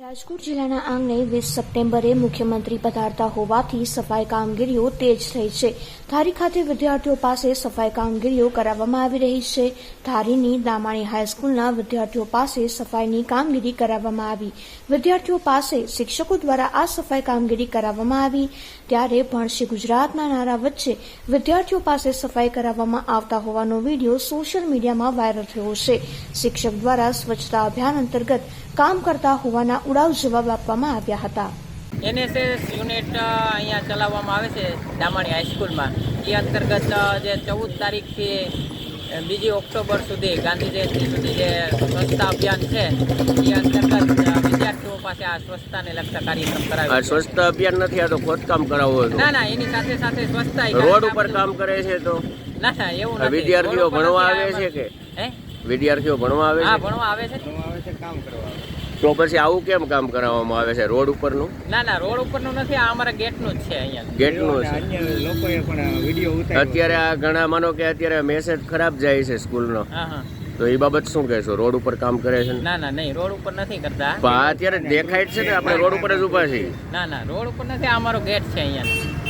રાજકોટ જિલ્લાના આંગણે 20 સપ્ટેમ્બરે મુખ્યમંત્રી પધારતા હોવાથી સફાઈ કામગીરીઓ તેજ થઈ છે. ધારી ખાતે વિદ્યાર્થીઓ પાસે સફાઈ કામગીરીઓ કરાવવામાં આવી રહી છે. ધારીની દામાણી હાઈસ્કૂલના વિદ્યાર્થીઓ પાસે સફાઈની કામગીરી કરાવવામાં આવી. વિદ્યાર્થીઓ પાસે શિક્ષકો દ્વારા આ સફાઈ કામગીરી કરાવવામાં આવી. ત્યારે ભણશે ગુજરાતના નારા વચ્ચે વિદ્યાર્થીઓ પાસે સફાઈ કરાવવામાં આવતા હોવાનો વિડીયો સોશિયલ મીડિયામાં વાયરલ થયો છે. શિક્ષક દ્વારા સ્વચ્છતા અભિયાન અંતર્ગત કામ કરતા હોવાના ઉડાવ જવાબ આપવામાં આવ્યા હતા. NSS યુનિટ અહીંયા ચલાવવામાં આવે છે દામાણી હાઈસ્કૂલમાં. એ અંતર્ગત જે 14 તારીખથી 2 ઓક્ટોબર સુધી ગાંધી જયંતિ સુધી જે સ્વચ્છતા અભિયાન છે એ અંતર્ગત વિદ્યાર્થીઓ પાસે આ સ્વચ્છતાને લગતા કાર્યક્રમ કરાવે. સ્વચ્છતા અભિયાન નથી, આ તો ખોદકામ કરાવવું હતું. ના, એની સાથે સાથે સ્વચ્છતા રોડ ઉપર કામ કરે છે તો ના એવું નથી. વિદ્યાર્થીઓ ભણવા આવે છે કે વિદ્યાર્થીઓ ભણવા આવે છે? હા, ભણવા આવે છે, કામ કરવા. તો પછી આવું કેમ કામ કરાવવામાં આવે છે રોડ ઉપરનું? ના, રોડ ઉપરનું નથી, આ અમારા ગેટનું જ છે. અહીંયા ગેટનું છે. લોકોએ પણ વિડીયો ઉતાર્યો. અત્યારે આ ઘણા માનો કે અત્યારે મેસેજ ખરાબ જાય છે સ્કૂલનો, હા. તો એ બાબત શું કહેશો? રોડ ઉપર કામ કરે છે? ના, નહીં, રોડ ઉપર નથી કરતા. અત્યારે દેખાય છે ને આપણે રોડ ઉપર જ ઉભા છીએ. ના, રોડ ઉપર નથી, આ અમારો ગેટ છે અહીંયા.